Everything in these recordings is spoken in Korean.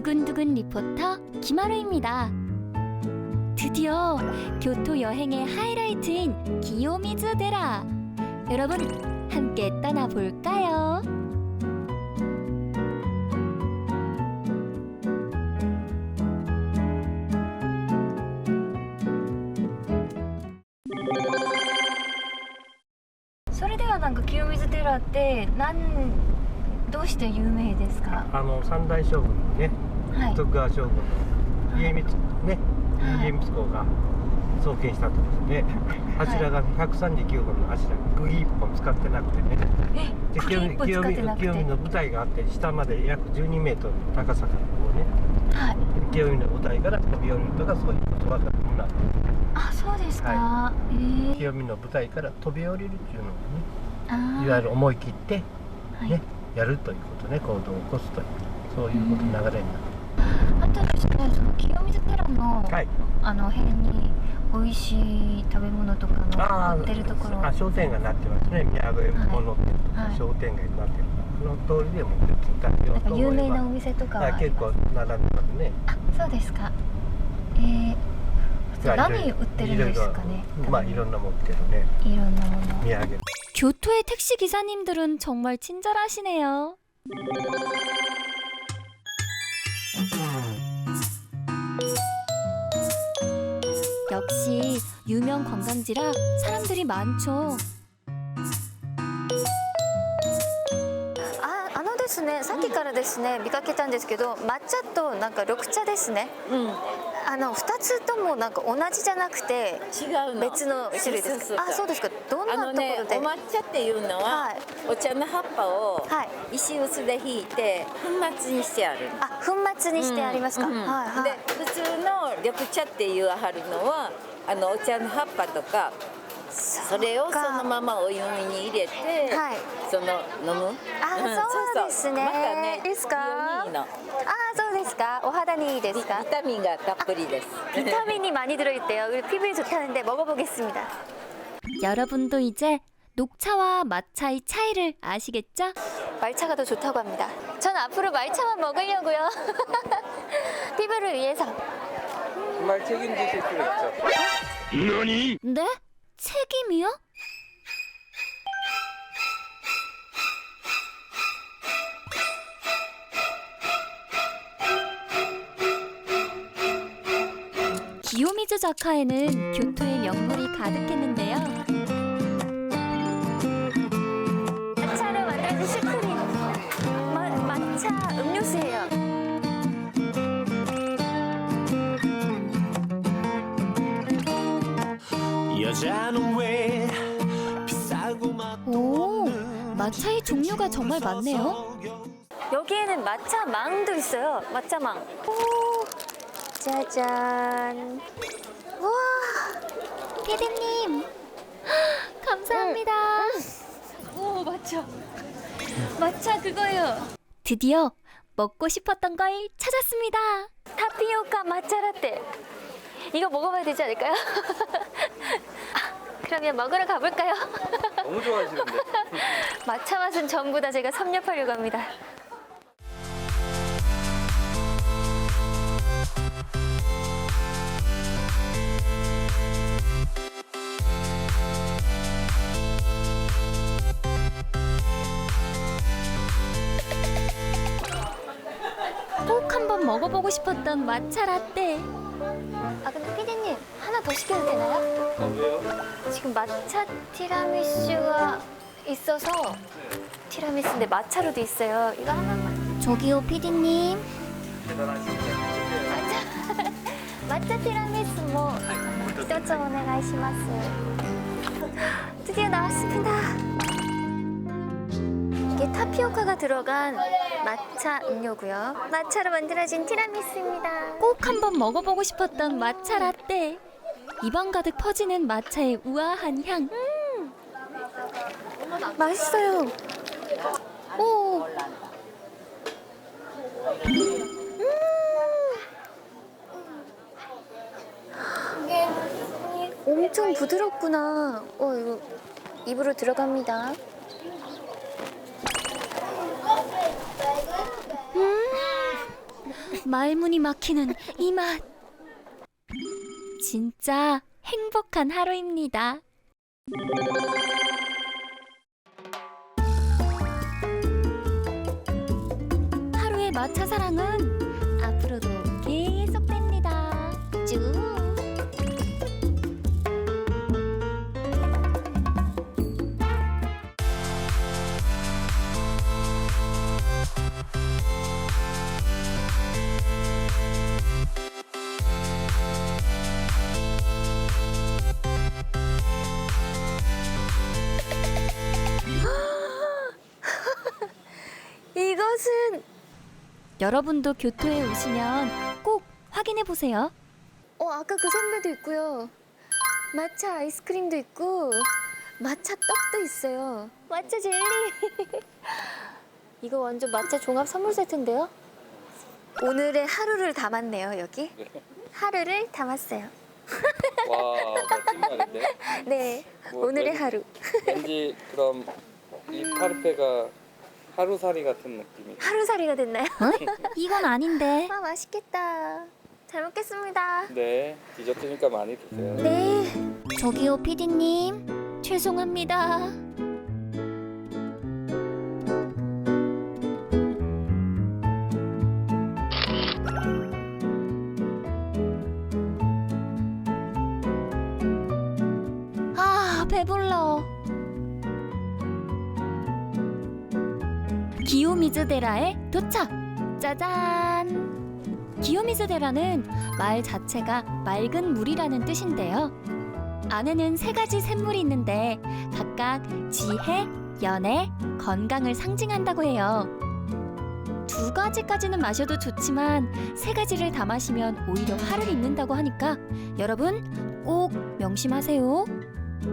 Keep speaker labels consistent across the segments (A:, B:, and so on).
A: 두근두근 리포터 김하루입니다. 드디어 교토 여행의 하이라이트인 기요미즈데라. 여러분 함께 떠나볼까요?それではなんか清水寺ってどうして有名ですか？
B: 三代将軍のね、
A: はい、
B: 徳川将軍の家光ね、家光公が創建したとですね、柱が139本の柱、釘1本使ってなくてね、で清見の舞台があって、下まで約12メートルの高さからこうね、
A: はい、
B: 清見の舞台から飛び降りるとか、そういう言葉が今
A: あ、そうですか、
B: はい、清見の舞台から飛び降りるっていうのをね、いわゆる思い切ってね、はい、やるということね、行動を起こすという、そういうことの流れになる。
A: あとですね、その清水寺の、
B: はい、
A: 辺に美味しい食べ物とかの売ってるところ、
B: 商店街になってますね。宮古物店とか商店街になってる、その通りでも食べようと思えば、
A: 有名なお店とかは
B: 結構並んでますね。
A: あ、そうですか。何売ってるんですかね。
B: まあいろんなもん売ってるね。
A: いろんなもの。
B: 土産。
A: 교토의 택시 기사님들은 정말 친절하시네요. 역시 유명 관광지라 사람들이 많죠. ですね、さっきからですね見かけたんですけど、抹茶となんか緑茶ですね。2つともなんか同じじゃなくて
C: 違うの、
A: 別の種類ですか？あ、そうですか。どんなところで？
C: お抹茶っていうのは、お茶の葉っぱを石臼でひいて粉末にしてある。
A: あ、粉末にしてありますか。
C: で、普通の緑茶っていうはるのはお茶の葉っぱとか。それをそのままお湯に入れて、その飲む。
A: あ、そうですね。
C: またね、
A: ですか？
C: いいの。
A: あ、そうですか。お肌にいいですか？
C: ビタミンがたっぷりです。
A: 비타민이 많이 들어있대요. 그리고 피부에 좋다는데 먹어보겠습니다. 여러분도 이제 녹차와 마차의 차이를 아시겠죠? 말차가 더 좋다고 합니다. 전 앞으로 말차만 먹으려고요. 피부를 위해서.
B: 정말 책임지실 필요 있죠.
A: 너니? 네? 책임이요? 기요미즈 자카에는 교토의 명물이 가득했는데요. 마차를 만들어준 슈크림, 마차 음료수예요. 오, 마차의 종류가 정말 많네요. 여기에는 마차 망도 있어요. 마차 망. 오, 짜잔. 우와, 피디님 감사합니다. 오, 마차. 마차 그거예요. 드디어 먹고 싶었던 걸 찾았습니다. 타피오카 마차 라떼. 이거 먹어봐야 되지 않을까요? 그러면 먹으러 가볼까요?
B: 너무 좋아하시는데.
A: 마차 맛은 전부 다 제가 섭렵하려고 합니다. 꼭 한번 먹어보고 싶었던 마차 라떼. 아, 근데 피디님 하나 더 시켜도 되나요?
B: 왜요?
A: 지금 마차 티라미슈가 있어서 티라미수인데 마차로도 있어요. 이거 하나만. 저기요 피디님.
B: 대단하십니다.
A: 마차 티라미수 뭐 이도저 오네가이시마스. 드디어 나왔습니다. 이게 타피오카가 들어간 마차 음료고요. 마차로 만들어진 티라미수입니다. 꼭 한번 먹어보고 싶었던 마차 라떼. 입안 가득 퍼지는 마차의 우아한 향. 맛있어요. 오. 엄청 부드럽구나. 이거 입으로 들어갑니다. 말문이 막히는 이 맛. 진짜 행복한 하루입니다. 하루의 마차 사랑은 앞으로도 계속됩니다. 쭉. 이것은 여러분도 교토에 오시면 꼭 확인해 보세요. 아까 그 선배도 있고요. 마차 아이스크림도 있고 마차 떡도 있어요. 마차 젤리. 이거 완전 마차 종합 선물 세트인데요. 오늘의 하루를 담았네요, 여기. 하루를 담았어요.
D: 와, 멋진 말인데?
A: 네,
D: 뭐,
A: 오늘의 하루.
D: 왠지 그럼 이 파르페가 하루살이 같은 느낌이.
A: 하루살이가 됐나요? 이건 아닌데. 맛있겠다. 잘 먹겠습니다.
D: 네, 디저트니까 많이 드세요.
A: 네. 저기요, 피디님. 죄송합니다. 배불러. 기요미즈데라에 도착! 짜잔! 기요미즈데라는 말 자체가 맑은 물이라는 뜻인데요. 안에는 3가지 샘물이 있는데 각각 지혜, 연애, 건강을 상징한다고 해요. 2가지까지는 마셔도 좋지만 3가지를 다 마시면 오히려 화를 입는다고 하니까 여러분 꼭 명심하세요.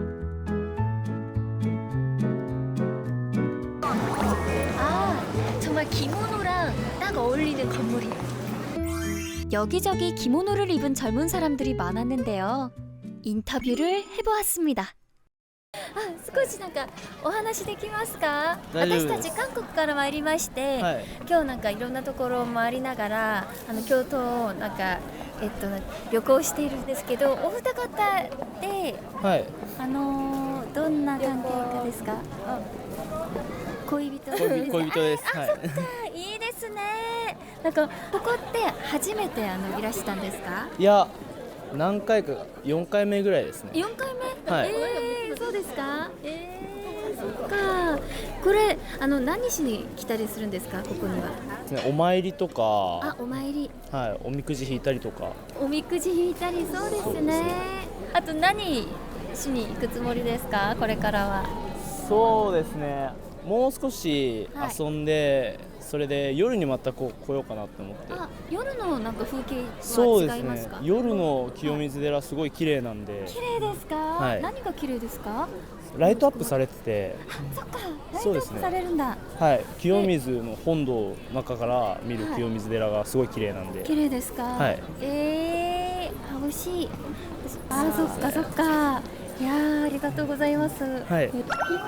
A: 정말 기모노랑 딱 어울리는 건물이에요. 여기저기 기모노를 입은 젊은 사람들이 많았는데요. 인터뷰를 해보았습니다. 少しなんかお話できますか？私たち韓国から参りまして、今日なんかいろんなところを回りながら京都をなんか旅行しているんですけど、お二方で、どんな関係かですか？恋人です。
E: 恋人です。
A: そっか、いいですね。なんかここって初めていらしたんですか？
E: いや、何回か4回目ぐらいですね。
A: 4回目？
E: はい。
A: そうですか？そっか。これ何しに来たりするんですか？ここには。
E: お参りとか。
A: お参り。
E: はい。おみくじ引いたりとか。
A: おみくじ引いたり、そうですね。あと何しに行くつもりですか？これからは。
E: そうですね。もう少し遊んで、それで夜にまた来ようかなと思って。
A: 夜のなんか風景は違いますか？
E: そうですね。夜の清水寺すごい綺麗なんで。
A: 綺麗ですか？
E: はい。
A: 何が綺麗ですか？
E: ライトアップされてて。
A: そっか。ライトアップされるんだ。
E: はい。清水の本堂の中から見る清水寺がすごい綺麗なんで。
A: 綺麗ですか？
E: はい。
A: 美味しい。そっかそっか。いやー、ありがとうございます。
E: はい。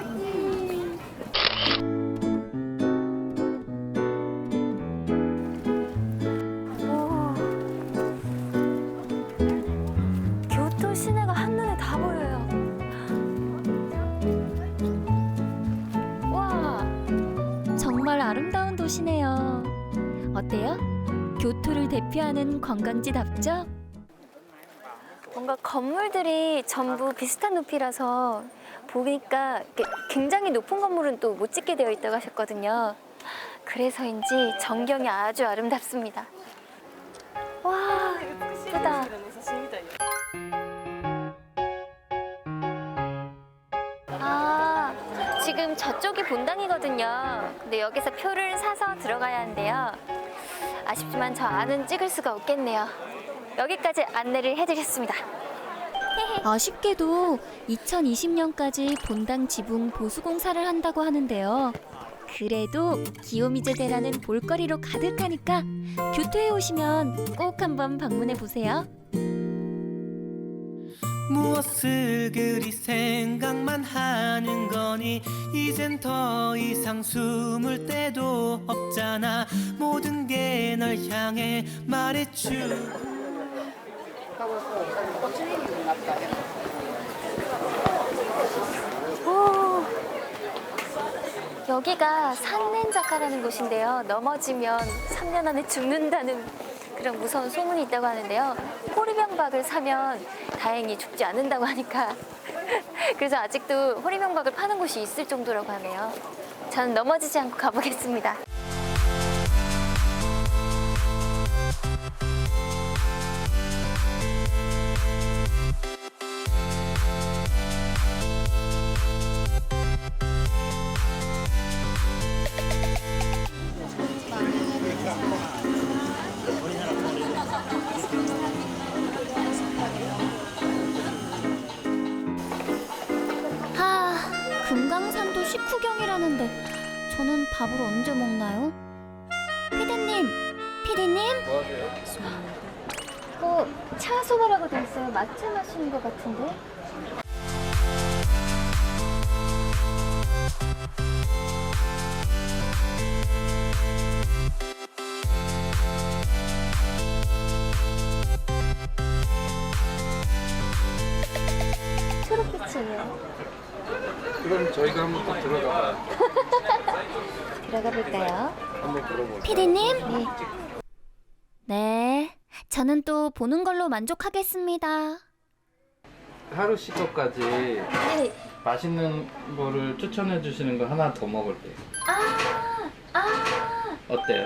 A: 교토 시내가 한눈에 다 보여요. 와, 정말 아름다운 도시네요. 어때요? 교토를 대표하는 관광지답죠? 뭔가 건물들이 전부 비슷한 높이라서 보니까 굉장히 높은 건물은 또 못 찍게 되어 있다고 하셨거든요. 그래서인지 전경이 아주 아름답습니다. 와, 예쁘다. 지금 저쪽이 본당이거든요. 근데 여기서 표를 사서 들어가야 하는데요. 아쉽지만 저 안은 찍을 수가 없겠네요. 여기까지 안내를 해드렸습니다. 아쉽게도 2020년까지 본당 지붕 보수 공사를 한다고 하는데요. 그래도 기요미즈데라는 볼거리로 가득하니까 교토에 오시면 꼭 한번 방문해 보세요.
F: 무엇을 그리 생각만 하는 거니 보니 이젠 더 이상 숨을 데도 없잖아. 모든 게 널 향해 말해줘.
A: 오, 여기가 산렌자카라는 곳인데요. 넘어지면 3년 안에 죽는다는 그런 무서운 소문이 있다고 하는데요. 호리병박을 사면 다행히 죽지 않는다고 하니까 그래서 아직도 호리병박을 파는 곳이 있을 정도라고 하네요. 저는 넘어지지 않고 가보겠습니다. 금강산도 식후경이라는데 저는 밥을 언제 먹나요? 피디님!
D: 뭐 하세요?
A: 차 소바라고 돼 있어요. 마차 마시는 것 같은데? 초록빛이에요.
D: 그럼 저희가 한번 또 들어가봐요.
A: 들어가 볼까요?
D: 한번 들어볼까요?
A: 피디님? 네. 네, 저는 또 보는 걸로 만족하겠습니다.
D: 하루 씨 것까지
A: 네.
D: 맛있는 거를 추천해 주시는 거 하나 더 먹을게요. 어때요?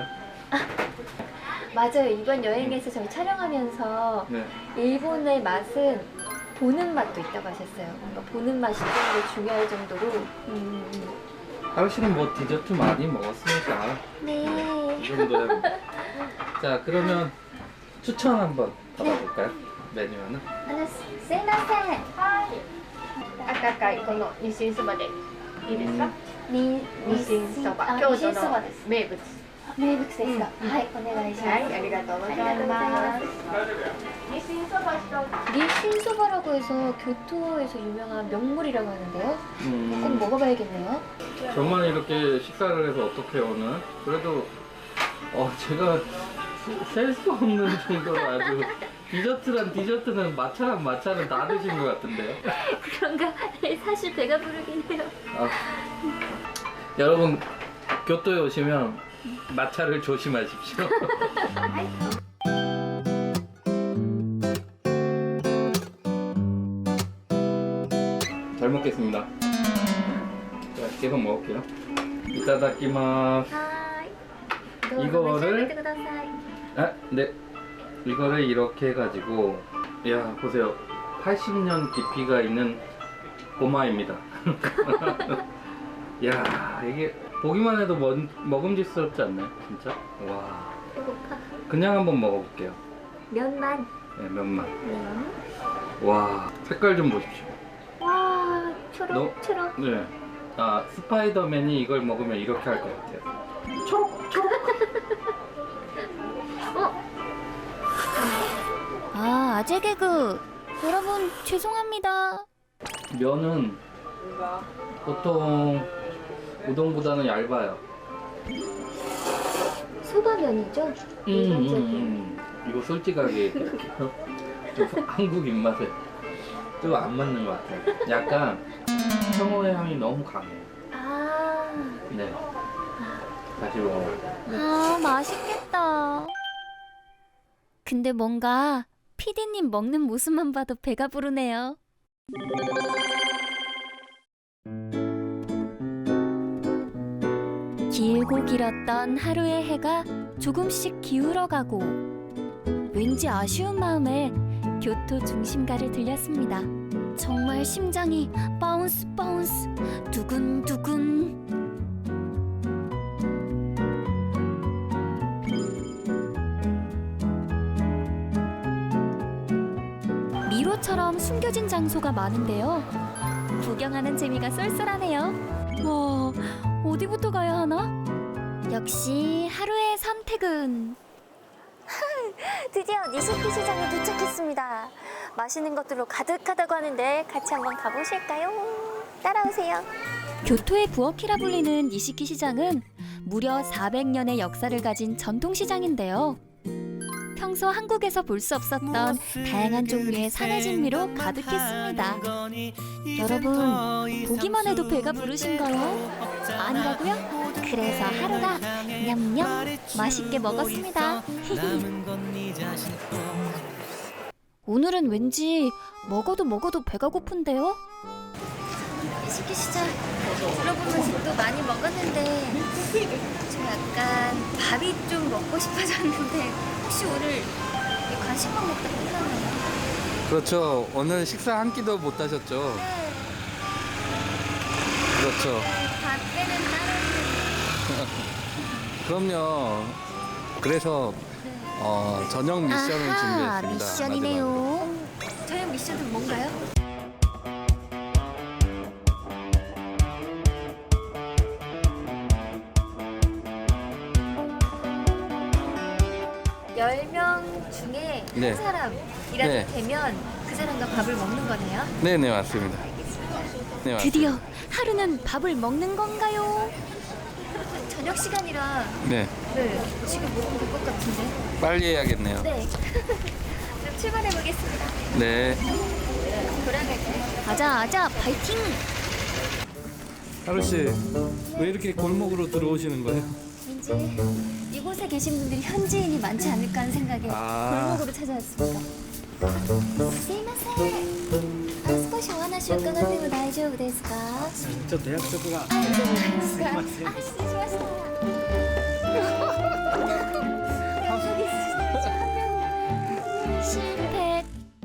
A: 맞아요. 이번 여행에서 저희 촬영하면서
D: 네.
A: 일본의 맛은 보는 맛도 있다고 하셨어요. 뭔가 보는 맛이 좀 더 중요할 정도로.
D: 하루 씨는 뭐 디저트 많이 먹었으니까
A: 네.
D: 이 정도야. 자, 그러면 추천 한번 받아볼까요? 메뉴 하나?
A: すいません。
G: 赤いこのニシンそばでいいですか？
A: に
G: ニシンそば、
A: あ
G: 京
A: ニシン
G: 都の
A: そばです。
G: 名物。
A: 名物ですか。はい、お願いします。
G: はい、ありがとうございます。ニシンそば一つ。
A: 니신소바라고 해서 교토에서 유명한 명물이라고 하는데요. 꼭 먹어봐야겠네요.
D: 저만 이렇게 식사를 해서 어떻게 오늘? 그래도 제가 셀 수 없는 정도로 아주 디저트는 마차는 다 드신 것 같은데요.
A: 그런가? 사실 배가 부르긴 해요.
D: 여러분 교토에 오시면 마차를 조심하십시오. 잘 먹겠습니다. 자, 계속 먹을게요. 이타다키마스. 이거를 네. 이거를 이렇게 해가지고 야 보세요. 80년 깊이가 있는 고마입니다. 야 이게 보기만 해도 먹음직스럽지 않나요? 진짜? 와.
A: 배고파.
D: 그냥 한번 먹어볼게요.
A: 면만.
D: 네, 면만.
A: 면.
D: 와 색깔 좀 보십시오.
A: 와, 초록.
D: 네. 스파이더맨이 이걸 먹으면 이렇게 할 것 같아요.
A: 아재 개그. 여러분 죄송합니다.
D: 면은 보통 우동보다는 얇아요.
A: 소바면이죠?
D: 이거 솔직하게 얘기할게요. 한국 입맛에 좀 안 맞는 것 같아요. 약간 청어의 향이 너무 강해요. 네. 다시 먹어볼게요.
A: 맛있겠다. 근데 뭔가 피디님 먹는 모습만 봐도 배가 부르네요. 길고 길었던 하루의 해가 조금씩 기울어가고 왠지 아쉬운 마음에 교토 중심가를 들렸습니다. 정말 심장이 바운스 바운스 두근두근. 미로처럼 숨겨진 장소가 많은데요. 구경하는 재미가 쏠쏠하네요. 와, 어디부터 가야 하나? 역시 하루의 선택은 드디어 니시키 시장에 도착했습니다. 맛있는 것들로 가득하다고 하는데 같이 한번 가보실까요? 따라오세요. 교토의 부엌이라 불리는 니시키 시장은 무려 400년의 역사를 가진 전통시장인데요. 평소 한국에서 볼 수 없었던 다양한 종류의 산해진미로 가득했습니다. 여러분, 보기만 해도 배가 부르신가요? 아니라고요? 그래서 하루가 냠냠 맛있게 먹었습니다. 오늘은 왠지 먹어도 배가 고픈데요? 니시키 시장 들어보면서 또 많이 먹었는데 좀 약간 밥이 좀 먹고 싶어졌는데 혹시 오늘 간식만 먹다 끝나나요?
D: 그렇죠. 오늘 식사 한 끼도 못 하셨죠?
A: 네.
D: 그렇죠.
A: 밥에는
D: 그럼요. 그래서 저녁 미션을
A: 아하,
D: 준비했습니다.
A: 미션이네요. 저녁 미션은 뭔가요? 열 명 중에
D: 네.
A: 한 사람이라도
D: 네.
A: 되면 그 사람과 밥을 먹는 거네요.
D: 네네 맞습니다. 네, 맞습니다.
A: 드디어 하루는 밥을 먹는 건가요? 저녁 시간이라
D: 네
A: 지금 먹으면 될 것 같은데.
D: 빨리 해야겠네요.
A: 네. 그럼 출발해 보겠습니다.
D: 네.
A: 돌아갈까요? 아자 파이팅!
D: 하루 씨, 왜 이렇게 골목으로 들어오시는 거예요?
A: 왠지 이곳에 계신 분들이 현지인이 많지 않을까 하는 생각에 골목으로 찾아왔습니다. すいません。少しお話伺っても大丈夫ですか？
B: ちょっと約束が。
A: あ、失礼しました。 실패.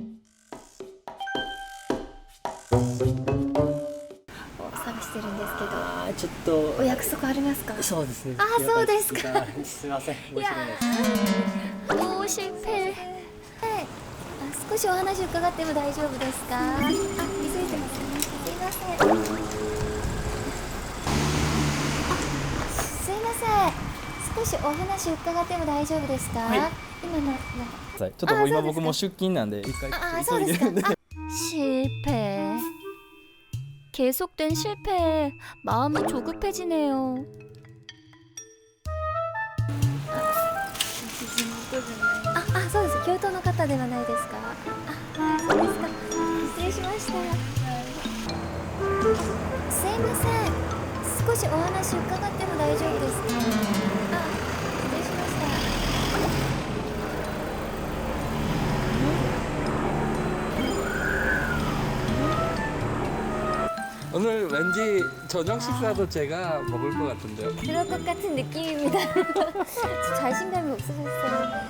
A: 探してるんですけど。
E: ちょっと
A: お約束ありますか？
E: そうですね。
A: あ、そうですか。
E: すいません。
A: いやー、大失敗。はい。少しお話伺っても大丈夫ですか？あ、気づいてますね。すいません。すいません。少しお話伺っても大丈夫ですか？今の
E: ちょっともう今僕も出勤なんで一回
A: そうですか。
E: 急いでるんで。
A: 실패. 계속된 실패에 마음이 조급해지네요. 아, そうです。京都の方ではないですか？あ、そうですか。失礼しました。すいません。少しお話伺っても大丈夫ですか？あ、失礼しました。
D: 오늘 왠지 저녁 식사도 제가 먹을 것 같은데요.
A: 그럴 것 같은 느낌입니다. 자신감이 없어졌어요.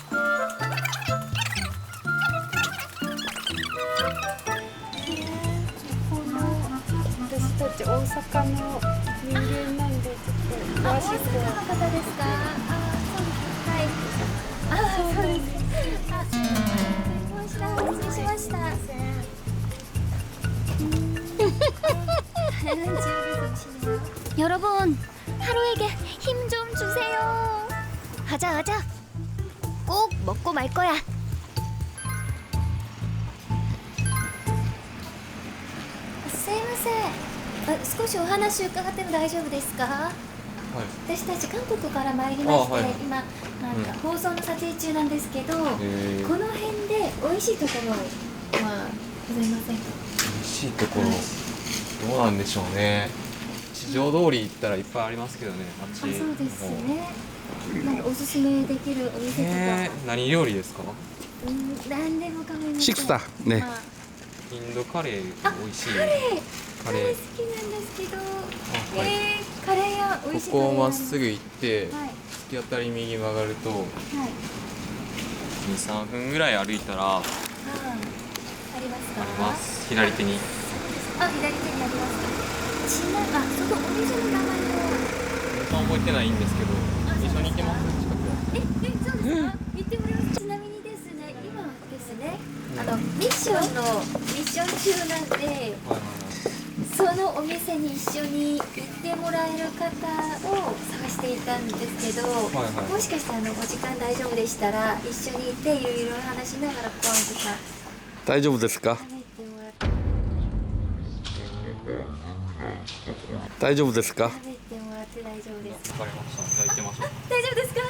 A: 여러분, 하루에게 힘 좀 주세요. 하자. 꼭 먹고 말 거야.少しお話伺っても大丈夫ですか？私たち韓国から参りまして、今なんか放送の撮影中なんですけど、この辺で美味しいところはございませんか？
H: 美味しいところ、どうなんでしょうね。地上通り行ったらいっぱいありますけどね、あっち。
A: そうですね。なんかおすすめできるお店とか、
H: 何料理ですか？
A: 何でも構いません。
D: 식사. 네.
H: インドカレー美味しい。
A: カレー
H: カレー。
A: 好きなんですけど、
H: はい。
A: カレー屋美味しいカレー屋
H: ここをまっすぐ行って、
A: はい
H: 突き当たり右曲がると、
A: はい。
H: 2、3分ぐらい歩いたらあ
A: ありますか？
H: ります。左手に。
A: あ、左手にありますか？ちなみに、そのお店の名前を。
H: 覚えてないんですけど、一緒に行けます近く。
A: そうですか？行ってもらいます。ちなみにですね、今ですね、ミッション中なんで、そのお店に一緒に行ってもらえる方を探していたんですけど、もしかしてお時間大丈夫でしたら一緒に行っていろいろ話しながらポンとか
D: 다이조부ですか?
A: 食べてもらって。
D: 大丈夫ですか？
A: 食べてもらって大丈夫ですか？
H: わかりました。じゃあ行きましょう。
A: 大丈夫ですか？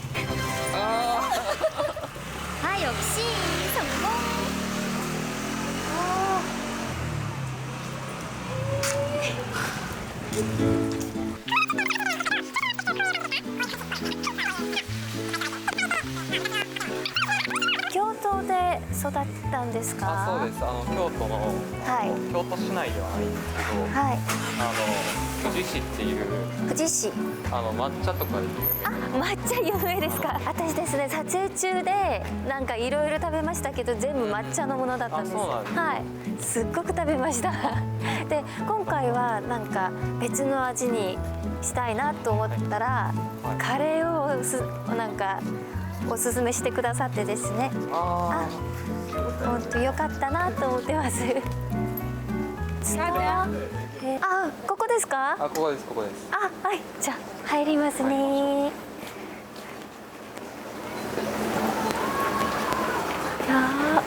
A: はい、역시성공。京都で育ったんですか？
H: あ、そうです。京都の、
A: はい
H: 京都市内ではないんですけど、
A: はい。
H: 富士市っていう
A: 富士市。
H: 抹茶とかで有
A: あ、抹茶有名ですか？私ですね、撮影中でなんかいろいろ食べましたけど全部抹茶のものだったんです。
H: あ、そうなんですね。
A: はい、すっごく食べました。で、今回はなんか別の味にしたいなと思ったら、カレーをなんかおすすめしてくださってですね。
H: あ
A: 本当良かったなと思ってます。あ、ここですか？
H: あ、ここです、ここです。
A: あ、はい、じゃあ入りますね。いや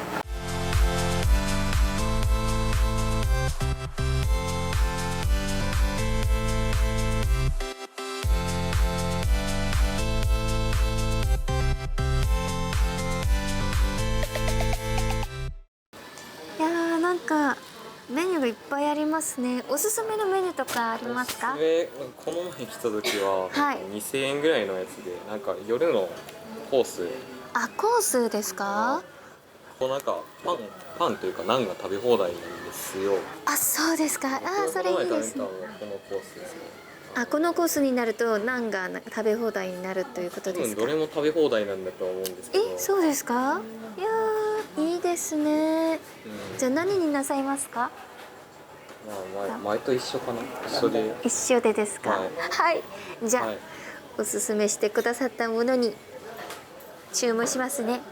A: なんかメニューがいっぱいありますね。おすすめのメニューとかありますか？
H: この前来た時は、
A: はい
H: 2000円ぐらいのやつで、なんか夜のコース、
A: あ、コースですか？
H: こうなんかパンというかナンが食べ放題なんですよ。
A: あ、そうですか。あ、それいいですね。
H: この前食べたのがこのコースですね。
A: あ、このコースになるとナンが食べ放題になるということ
H: 多
A: ですか？
H: 分どれも食べ放題なんだとは思うんですけど。
A: そうですか？いやー、いいですね。じゃあ何になさいますか？
H: まあ、前と一緒かな。一緒で。
A: 一緒でですか？
H: はい
A: はい。じゃあ、
H: はい。
A: おすすめしてくださったものに注文しますね。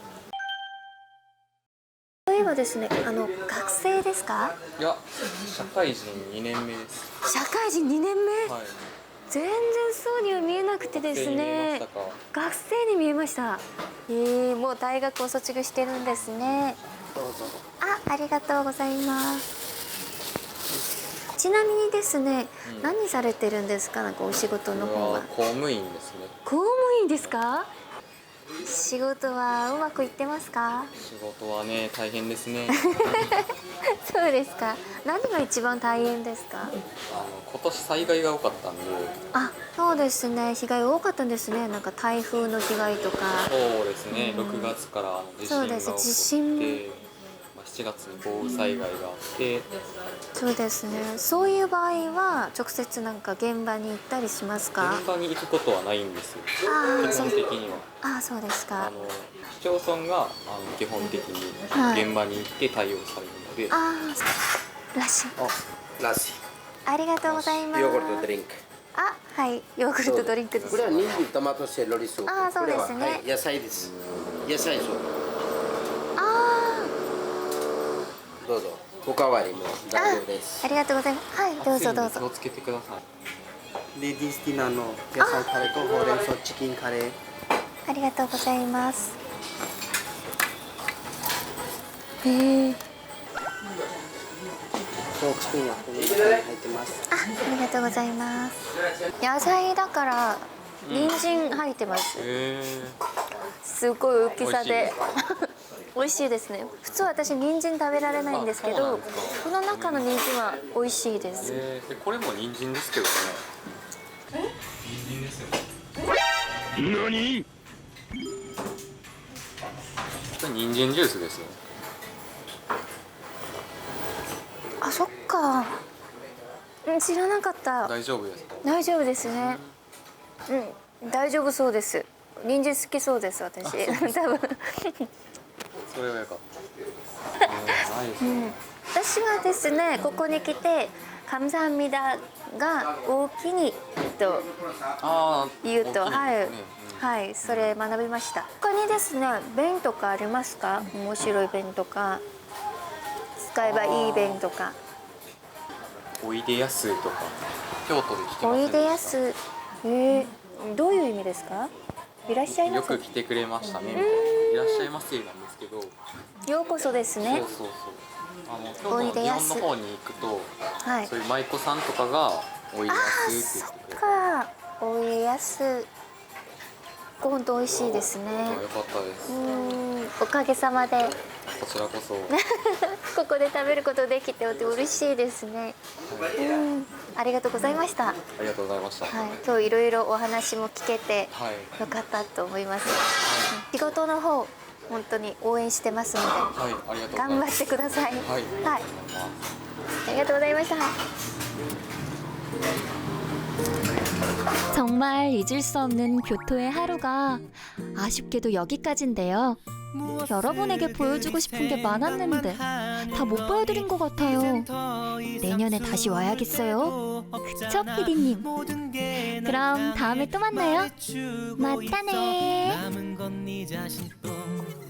A: そういえばですね、学生ですか？
H: いや、社会人2年目です。
A: 社会人2年目？
H: はい。
A: 全然そうには見えなくてです
H: 学生に見えまし
A: ね
H: たか。
A: 学生に見えました。もう大学を卒業してるんですね。
H: どうぞ。
A: ありがとうございます。ちなみにですね、何されてるんですか？なんかお仕事の方は。
H: 公務員ですね。
A: 公務員ですか？仕事はうまくいってますか？
H: 仕事はね、大変ですね。
A: そうですか。何が一番大変ですか？
H: 今年災害が多かったんで。
A: あ、そうですね。被害多かったんですね。なんか台風の被害とか。
H: そうですね。6月から地震が起こって、
A: 地震
H: 7月に豪雨災害があって。
A: そうですね。そういう場合は直接なんか現場に行ったりしますか？
H: 現場に行くことはないんですよ。基本的には。
A: あ、そうですか。
H: 市町村が基本的に現場に行って対応されるので。
A: らしい。
B: らしい。
A: ありがとうございます。
B: ヨーグルトドリンク。
A: はい、ヨーグルトドリンクです。
B: これは人参トマトセロリスープ。
A: そうですね。
B: これは野菜です。野菜スープ。どうぞ。おかわりも大丈夫です。
A: ありがとうございます。はい、どうぞどうぞ。
H: 気をつけてください。
I: レディースディナーの野菜カレーとほうれん草チキンカレー。
A: ありがとうございます。
I: ポークスピンはこの中に入ってます。
A: ありがとうございます。野菜だから人参入ってます。すごい大きさで美味しいですね。普通私人参食べられないんですけど、この中の人参は美味しいです。
H: これも人参ですけどね。人参ですよ。何？これ人参ジュースですよ。
A: あ、そっか。知らなかった。
H: 大丈夫ですか？
A: 大丈夫ですね。大丈夫そうです。人参好きそうです私。多分。
H: それはよかった。
A: 私はですね、ここに来て감사합니다が大きにと言うと、はい、それ学びました。他にですね、弁とかありますか？面白い弁とか、使えばいい弁とか。
H: おいでやすとか、京都で聞きますね。
A: おいでやす、どういう意味ですか？いらっしゃいませ。
H: よく来てくれましたね。いらっしゃいませなんですけど。
A: ようこそですね。
H: そう。 京都の日本の方に行くと、
A: はい。
H: そういう舞妓さんとかがおいでやすって言ってくれる。
A: か、お家康。本当美味しいですね。
H: よかったです。
A: おかげさまで
H: こちらこそ。
A: ここで食べることできて嬉しいですね。ありがとうございました。
H: ありがとうございました。
A: はい、今日いろいろお話も聞けて
H: はい。
A: よかったと思います。仕事の方本当に応援してますので
H: はい、ありがとうございます。
A: 頑張ってください。
H: はい。
A: はい、ありがとうございました. 정말 잊을 수 없는 교토의 하루가 아쉽게도 여기까지인데요. 여러분에게 보여주고 싶은 게 많았는데 다 못 보여드린 것 같아요. 내년에 다시 와야겠어요. 그쵸, PD님? 그럼 다음에 또 만나요. 맞다네.